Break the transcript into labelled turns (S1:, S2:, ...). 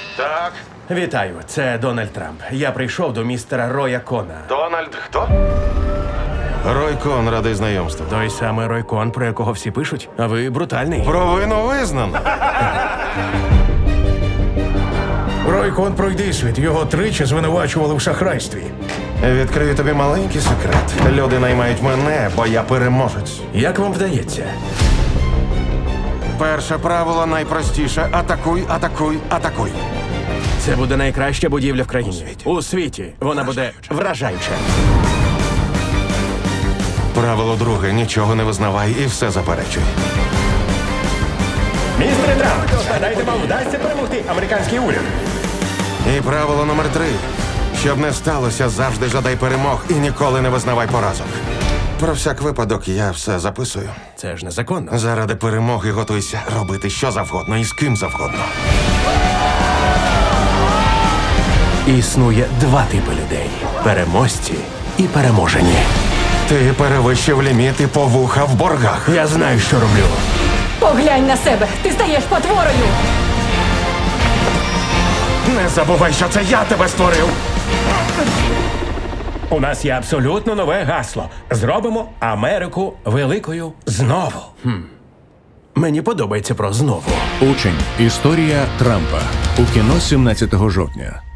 S1: Так.
S2: Вітаю, це Дональд Трамп. Я прийшов до містера Роя Кона.
S1: Дональд хто?
S3: Рой Кон, радий знайомству.
S2: Той самий Рой Кон, про якого всі пишуть. А ви брутальний.
S3: Провину визнано.
S4: Рой Кон пройдисвіт. Його тричі звинувачували в шахрайстві.
S3: Відкрию тобі маленький секрет. Люди наймають мене, бо я переможець.
S2: Як вам вдається?
S3: Перше правило найпростіше: атакуй, атакуй, атакуй.
S2: Це буде найкраща будівля в країні. У світі. Вона буде вражаюча.
S3: Правило друге: нічого не визнавай і все заперечуй.
S2: Містере Трамп, гадайте, вам вдасться перемогти американський уряд?
S3: І правило номер 3: щоб не сталося, завжди жадай перемог і ніколи не визнавай поразок. Про всяк випадок я все записую.
S2: Це ж незаконно.
S3: Заради перемоги готуйся робити що завгодно і з ким завгодно.
S2: Існує два типи людей: переможці і переможені.
S3: Ти перевищив ліміти по вуха в боргах.
S2: Я знаю, що роблю.
S5: Поглянь на себе, ти стаєш потворою.
S3: Не забувай, що це я тебе створив.
S4: У нас є абсолютно нове гасло. Зробимо Америку великою знову.
S2: Мені подобається про знову.
S6: Учень. Історія Трампа. У кіно 17 жовтня.